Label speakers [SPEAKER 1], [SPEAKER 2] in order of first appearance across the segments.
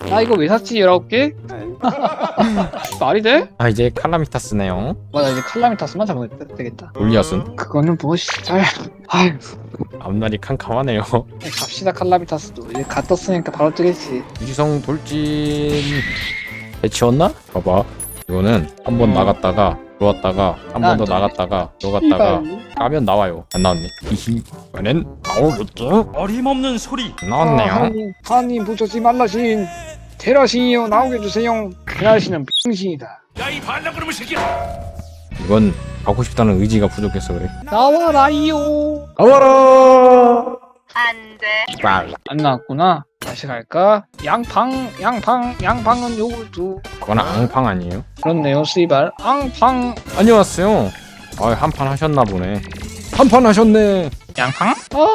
[SPEAKER 1] 나 이거 왜 샀지 19개? 말이 돼?
[SPEAKER 2] 아 이제 칼라미타스네요.
[SPEAKER 1] 맞아 이제 칼라미타스만 잡으면 되겠다.
[SPEAKER 2] 골리앗은
[SPEAKER 1] 그거는 뭐 잘. 아휴
[SPEAKER 2] 앞날이 캄캄하네요.
[SPEAKER 1] 갑시다 칼라미타스도 이제 갓 떴으니까 바로 뜨겠지.
[SPEAKER 2] 유지성 돌진 배치웠나? 봐봐 이거는 한 번 나갔다가 들어왔다가 한 번 더 나갔다가 들어갔다가 까면 나와요. 안 나왔네. 히히 이번엔 나오겠죠?
[SPEAKER 3] 어림없는 소리.
[SPEAKER 2] 나왔네요.
[SPEAKER 1] 하나님 부처지 말라신 테라신이여 나오게 해주세요. 그날신은 병신이다.
[SPEAKER 3] 야이 반란그놈의 새끼야.
[SPEAKER 2] 이건 가고 싶다는 의지가 부족해서 그래.
[SPEAKER 1] 나와라이요.
[SPEAKER 2] 나와라.
[SPEAKER 4] 안 돼.
[SPEAKER 2] 빨.
[SPEAKER 1] 안 나왔구나. 다시 갈까? 양팡은 요구르트.
[SPEAKER 2] 그건 앙팡 아니에요?
[SPEAKER 1] 그렇네요 씨발. 앙팡.
[SPEAKER 2] 안녕하세요. 아 한판 하셨나 보네. 한 판 하셨네.
[SPEAKER 1] 양팡?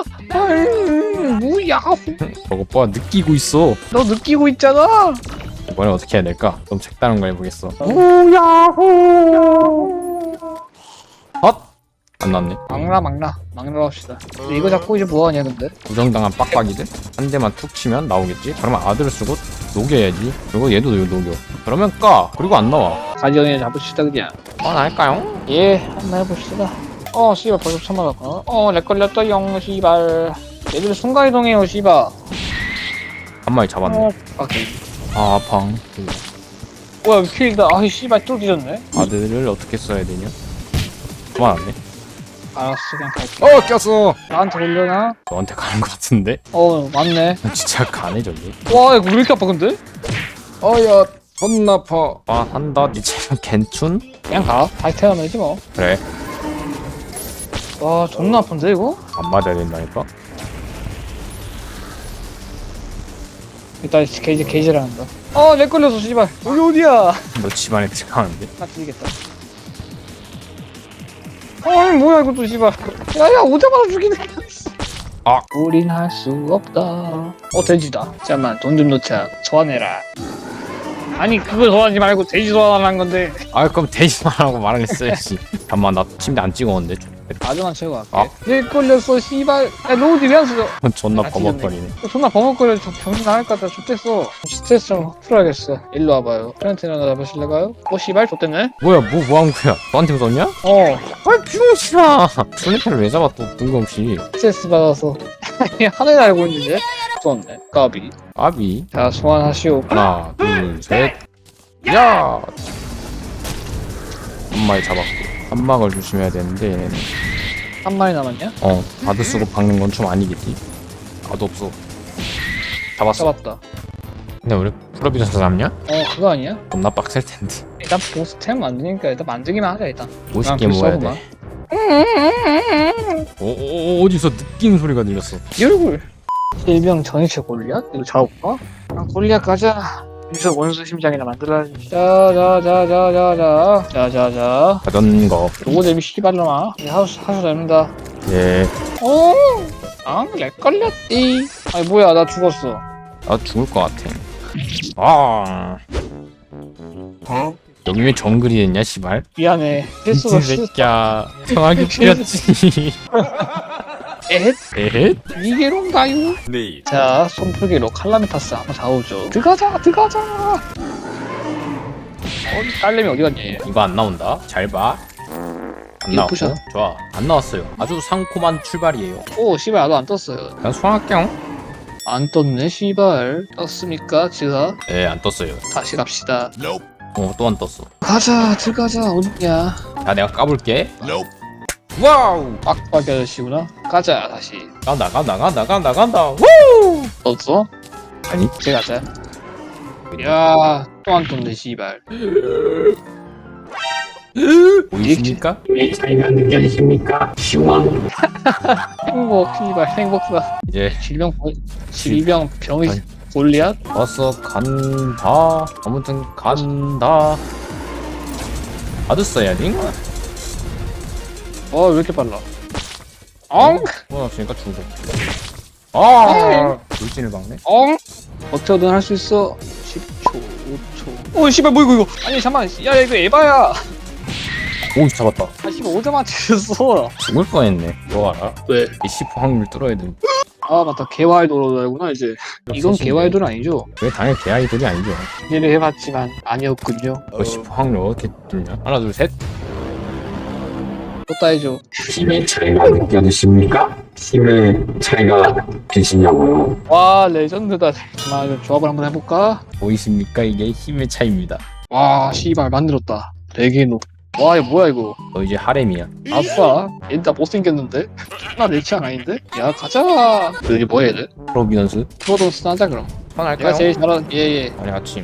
[SPEAKER 1] 뭐야?
[SPEAKER 2] 저거 봐 느끼고 있어.
[SPEAKER 1] 너 느끼고 있잖아.
[SPEAKER 2] 이번에 어떻게 해야 될까? 좀 색다른 거 해보겠어. 헛! 안 났네.
[SPEAKER 1] 막나로 합시다. 근데 이거 잡고 이제 뭐하냐 근데?
[SPEAKER 2] 부정당한 빡빡이들 한 대만 툭 치면 나오겠지? 그러면 아들을 쓰고 녹여야지. 그리고 얘도 녹여. 그러면 까! 그리고 안 나와.
[SPEAKER 1] 가디언이 잡읍시다 그냥.
[SPEAKER 2] 할까요?
[SPEAKER 1] 예, 한번 해봅시다. 씨발 벌써 처맞았구나. 렉 걸렸다 영 씨발. 얘들 순간이동해요 씨발.
[SPEAKER 2] 한 마리 잡았네.
[SPEAKER 1] 오케이.
[SPEAKER 2] 아 팡.
[SPEAKER 1] 뭐야 킬다. 씨발 또 뒤졌네.
[SPEAKER 2] 아들을 어떻게 써야 되냐? 그만 안네.
[SPEAKER 1] 알았어 그냥 갈게.
[SPEAKER 2] 꼈어!
[SPEAKER 1] 나한테 올려나?
[SPEAKER 2] 너한테 가는 거 같은데?
[SPEAKER 1] 맞네.
[SPEAKER 2] 진짜 가네졌네.
[SPEAKER 1] 와 이거 왜 이렇게 아파 근데?
[SPEAKER 2] 야 존나 아파. 한다. 니 체력 괜춘?
[SPEAKER 1] 그냥 가. 다시 태어나면 되지 뭐.
[SPEAKER 2] 그래.
[SPEAKER 1] 와 존나 아픈데 이거?
[SPEAKER 2] 안 맞아야 된다니까?
[SPEAKER 1] 일단 게이지를 한다. 렉 걸렸어 씨발. 여기 어디야?
[SPEAKER 2] 너 집안에 들어가는데?
[SPEAKER 1] 나 죽이겠다. 뭐야 이것도 씨발. 야야 오자마자 죽이네. 우린 할 수 없다. 돼지다. 잠깐만 돈 좀 넣자. 소환해라. 아니 그거 소환하지 말고 돼지 소환하는 건데.
[SPEAKER 2] 그럼 대신만 하고 말을 했어야지. 잠깐만 나 침대 안 찍었는데.
[SPEAKER 1] 아주만 채우고 갈게. 렉 걸렸어 씨발. 야 로우디 왜 안 쓰죠?
[SPEAKER 2] 존나
[SPEAKER 1] 아,
[SPEAKER 2] 버벅거리네.
[SPEAKER 1] 존나 버벅거려. 저 병신 나갈 것 같아. 좋댔어. 스트레스 좀 풀어야겠어. 일로 와봐요. 프렌트나 잡으실래가요? 씨발 좋댔네.
[SPEAKER 2] 뭐야 뭐 한 거야? 너한테 웃었냐? 병신아. 플래카를 왜 잡아 또 뜬금없이.
[SPEAKER 1] 스트레스 받아서. 하늘 날고 있는데? 무서웠네. 까비.
[SPEAKER 2] 아비.
[SPEAKER 1] 자 소환하시오.
[SPEAKER 2] 하나 둘 셋. 야. 한 마리 잡았고. 한 막을 조심해야 되는데 얘네는.
[SPEAKER 1] 한 마리 남았냐?
[SPEAKER 2] 바드 쓰고 박는 건 좀 아니겠지? 나도 없어. 잡았어.
[SPEAKER 1] 잡았다.
[SPEAKER 2] 근데 우리 프로비전서 잡냐?
[SPEAKER 1] 그거 아니야?
[SPEAKER 2] 겁나 빡셀 텐데.
[SPEAKER 1] 일단 보스템 만드니까 일단 만들기만 하자 일단.
[SPEAKER 2] 50개 모아야 돼. 어디서 느끼는 소리가 들렸어.
[SPEAKER 1] 이 얼굴. 일병 전이체 골리앗? 이거 잡아볼까? 골리앗 가자. 여기서 원수 심장이나 만들어야지. 자자자자자자.
[SPEAKER 2] 자전거.
[SPEAKER 1] 로고 대비 씨발놈아. 하수 됩니다.
[SPEAKER 2] 예.
[SPEAKER 1] 렉 걸렸디. 아니 뭐야 나 죽었어.
[SPEAKER 2] 나 죽을 것 같아. 여기 왜 정글이 됐냐 씨발.
[SPEAKER 1] 미안해.
[SPEAKER 2] 미친 새끼야. 평하게 뿌렸지.
[SPEAKER 1] 에헷? 이게론가요?
[SPEAKER 3] 네.
[SPEAKER 1] 자 손풀기로 칼라미타스 한번 잡아오죠. 들어가자. 딸내미 어디 갔냐 얘.
[SPEAKER 2] 이거 안 나온다. 잘 봐. 안
[SPEAKER 1] 이거
[SPEAKER 2] 나왔고.
[SPEAKER 1] 부셔.
[SPEAKER 2] 좋아. 안 나왔어요. 아주 상콤한 출발이에요.
[SPEAKER 1] 씨발 나도 안 떴어요.
[SPEAKER 2] 그냥 소환할게요.
[SPEAKER 1] 안 떴네 씨발. 떴습니까 지가?
[SPEAKER 2] 네, 안 떴어요.
[SPEAKER 1] 다시 갑시다.
[SPEAKER 2] 또 안 떴어.
[SPEAKER 1] 가자 들어가자. 어딨냐.
[SPEAKER 2] 자, 내가 까볼게. 와우.
[SPEAKER 1] 빡빡이 아저씨구나. 가자 다시.
[SPEAKER 2] 간다. 우!
[SPEAKER 1] 떴어?
[SPEAKER 2] 아니.
[SPEAKER 1] 이제 가자. 야 또 안 떴네 씨발.
[SPEAKER 2] 보이십니까?
[SPEAKER 5] 차이가 느껴지십니까? 시원.
[SPEAKER 1] 행복 씨발 행복사.
[SPEAKER 2] 이제
[SPEAKER 1] 질병 병이 골리앗?
[SPEAKER 2] 어서 간다. 아무튼 간다. 아드 써야지.
[SPEAKER 1] 왜 이렇게 빨라? 엉!
[SPEAKER 2] 없으니까 죽어. 돌진을 박네.
[SPEAKER 1] 어떻게든 할 수 있어. 10초, 5초. 씨발 뭐 이거. 아니 잠깐만. 야 이거 에바야.
[SPEAKER 2] 오, 잡았다.
[SPEAKER 1] 씨발 오자마자 죽였어.
[SPEAKER 2] 죽을 뻔했네. 너 알아?
[SPEAKER 1] 왜?
[SPEAKER 2] 이 10% 확률 뚫어야 돼.
[SPEAKER 1] 아 맞다 개와이도로구나 이제. 이건 개와이도는 아니죠?
[SPEAKER 2] 왜 당연히 개 아이돌이 아니죠.
[SPEAKER 1] 기대를 해봤지만 아니었군요.
[SPEAKER 2] 그 10% 확률 어떻게 뜨냐? 하나 둘 셋.
[SPEAKER 1] 또 따야죠.
[SPEAKER 5] 힘의 차이가 느껴지십니까? 힘의 차이가 되시냐고요?
[SPEAKER 1] 와 레전드다. 정말 조합을 한번 해볼까?
[SPEAKER 2] 보이십니까? 이게 힘의 차이입니다.
[SPEAKER 1] 와 씨발 만들었다. 레게노. 와 이거 뭐야 이거?
[SPEAKER 2] 너 이제 하렘이야.
[SPEAKER 1] 아싸. 얘다 못생겼는데? 나 내 취향 아닌데? 야 가자. 이게 뭐야 얘들?
[SPEAKER 2] 프로비넌스
[SPEAKER 1] 프로던스 하자 그럼.
[SPEAKER 2] 편할까요?
[SPEAKER 1] 내가 제일 잘하는 예예.
[SPEAKER 2] 아니 아침.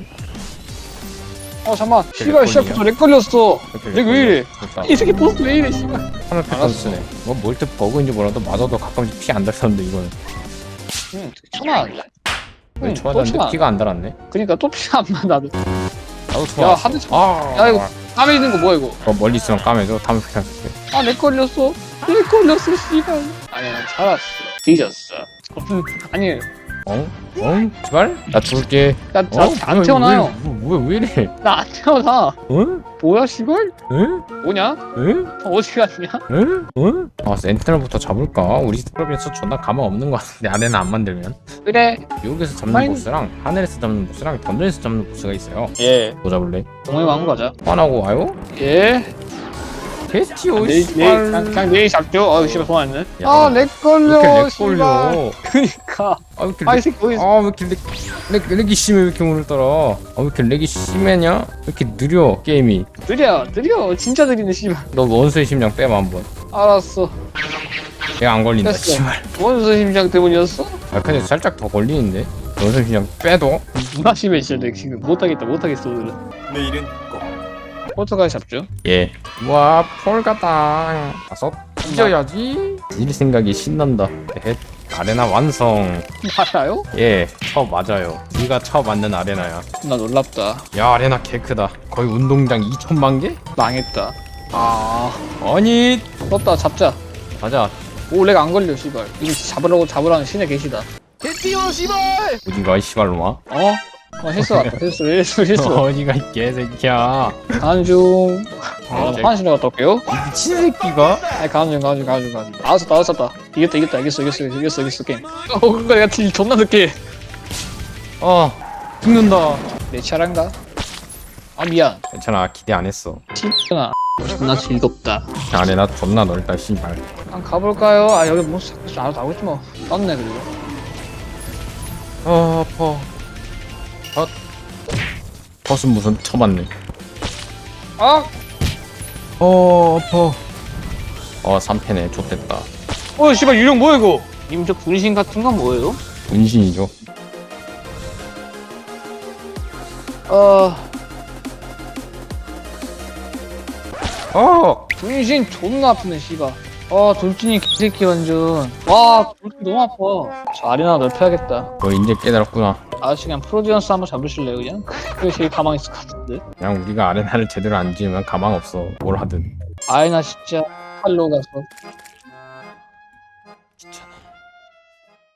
[SPEAKER 1] 잠만. 씨발 시작부터 렉 걸렸어. 렉 왜 이래?
[SPEAKER 2] 됐다.
[SPEAKER 1] 이 새끼 보스 왜 이래 씨발.
[SPEAKER 2] 하늘 패턴 쓰네. 뭐 뭘때 버그인지 몰라도 맞아도 가끔씩 피 안 달았는데 이거는
[SPEAKER 1] 응 천안.
[SPEAKER 2] 왜 좋아졌는데 피가 안 달았네.
[SPEAKER 1] 그니까 또 피가 안 나도.
[SPEAKER 2] 나도 좋아.
[SPEAKER 1] 야 하드 쳐.
[SPEAKER 2] 아,
[SPEAKER 1] 야 이거 까매 있는 거 뭐야 이거?
[SPEAKER 2] 멀리 있으면 까매져. 다음에 패턴 쓸게.
[SPEAKER 1] 렉 걸렸어. 렉 걸렸어 씨발. 아니야 난 살았어. 뒤졌어. 아니
[SPEAKER 2] 어? 어? 제발? 나 죽을게.
[SPEAKER 1] 나안 태어나요.
[SPEAKER 2] 왜 이래?
[SPEAKER 1] 나 안 태어나.
[SPEAKER 2] 응?
[SPEAKER 1] 뭐야 씨발?
[SPEAKER 2] 응?
[SPEAKER 1] 뭐냐?
[SPEAKER 2] 응?
[SPEAKER 1] 어디 갔냐?
[SPEAKER 2] 응? 응? 아 센트럴부터 잡을까? 우리 프로빈스 존나 가망 없는 것 같은데 아래는 안 만들면
[SPEAKER 1] 그래.
[SPEAKER 2] 미국에서 잡는
[SPEAKER 1] 마인-
[SPEAKER 2] 보스랑 하늘에서 잡는 보스랑 던전에서 잡는 보스가 있어요.
[SPEAKER 1] 예.
[SPEAKER 2] 뭐 잡을래?
[SPEAKER 1] 동호회 왕 가자.
[SPEAKER 2] 화나고 와요?
[SPEAKER 1] 예.
[SPEAKER 2] 캐스티오
[SPEAKER 1] 내일
[SPEAKER 2] 씨발.
[SPEAKER 1] 그냥 내일 잡죠. 아 씨발 손 안 내.
[SPEAKER 2] 야,
[SPEAKER 1] 아렉 걸려.
[SPEAKER 2] 이렇게 렉
[SPEAKER 1] 씨발.
[SPEAKER 2] 걸려.
[SPEAKER 1] 그니까.
[SPEAKER 2] 아 왜 이렇게
[SPEAKER 1] 아이
[SPEAKER 2] 렉,
[SPEAKER 1] 새끼 어디
[SPEAKER 2] 아, 왜 이렇게 렉이 심해? 왜 이렇게 오늘따라? 아 왜 이렇게 렉이 심하냐? 왜 이렇게 느려 게임이?
[SPEAKER 1] 느려 진짜 느리네 씨발.
[SPEAKER 2] 너 원수의 심장 빼봐 한번.
[SPEAKER 1] 알았어.
[SPEAKER 2] 내가 안 걸린다
[SPEAKER 1] 됐어.
[SPEAKER 2] 씨발.
[SPEAKER 1] 원수 심장 때문이었어?
[SPEAKER 2] 아 근데 살짝 더 걸리는데? 원수의 심장 빼도?
[SPEAKER 1] 누나 심해 진짜 내 지금 못하겠다 오늘은.
[SPEAKER 3] 내일은 꼭
[SPEAKER 1] 포토까지 잡죠.
[SPEAKER 2] 예. 와 폴가당. 다섯. 찢어야지. 일 생각이 신난다. 헷. 아레나 완성.
[SPEAKER 1] 알아요?
[SPEAKER 2] 예. 처음 맞아요. 네가 처음 만든 아레나야.
[SPEAKER 1] 나 놀랍다.
[SPEAKER 2] 야 아레나 개 크다. 거의 운동장 2천만 개?
[SPEAKER 1] 망했다. 아
[SPEAKER 2] 아니.
[SPEAKER 1] 떴다 잡자.
[SPEAKER 2] 가자.
[SPEAKER 1] 오 렉 안 걸려 씨발. 이거 잡으라는 신의 계시다. 개띠어 씨발.
[SPEAKER 2] 어디가 이 씨발로마?
[SPEAKER 1] 어? 했어 했어.
[SPEAKER 2] 어디가 이 개새끼야.
[SPEAKER 1] 가는 중. 화장실 갔다 올게요.
[SPEAKER 2] 미친 새끼가?
[SPEAKER 1] 아니 가는 중. 알았다. 이겼다. 이겼어 게임. 그거 내가 딜 존나 늦게.
[SPEAKER 2] 아 죽는다.
[SPEAKER 1] 내 차례인가? 아 미안.
[SPEAKER 2] 괜찮아 기대 안 했어.
[SPEAKER 1] 진짜 존나 즐겁다.
[SPEAKER 2] 아레나 존나 넓다 씨발.
[SPEAKER 1] 한번 가볼까요? 아 여기 뭐 자꾸 알아서 나오겠지 뭐. 떴네 그리고.
[SPEAKER 2] 아파. 버스 무슨 쳐맞네.
[SPEAKER 1] 아!
[SPEAKER 2] 아파. 3패네 좆됐다.
[SPEAKER 1] 씨발 유령 뭐야 이거? 님 저 분신 같은 건 뭐예요?
[SPEAKER 2] 분신이죠.
[SPEAKER 1] 분신 존나 아프네 씨발. 돌진이 개새끼 완전. 와 돌진 너무 아파. 저 아레나 넓혀야겠다.
[SPEAKER 2] 너 이제 깨달았구나.
[SPEAKER 1] 아저씨 그냥 프로디언스 한번 잡으실래요 그냥? 그게 제일 가망 있을 것 같은데.
[SPEAKER 2] 그냥 우리가 아레나를 제대로 안 지으면 가망 없어. 뭘 하든.
[SPEAKER 1] 아레나 진짜 팔로 가서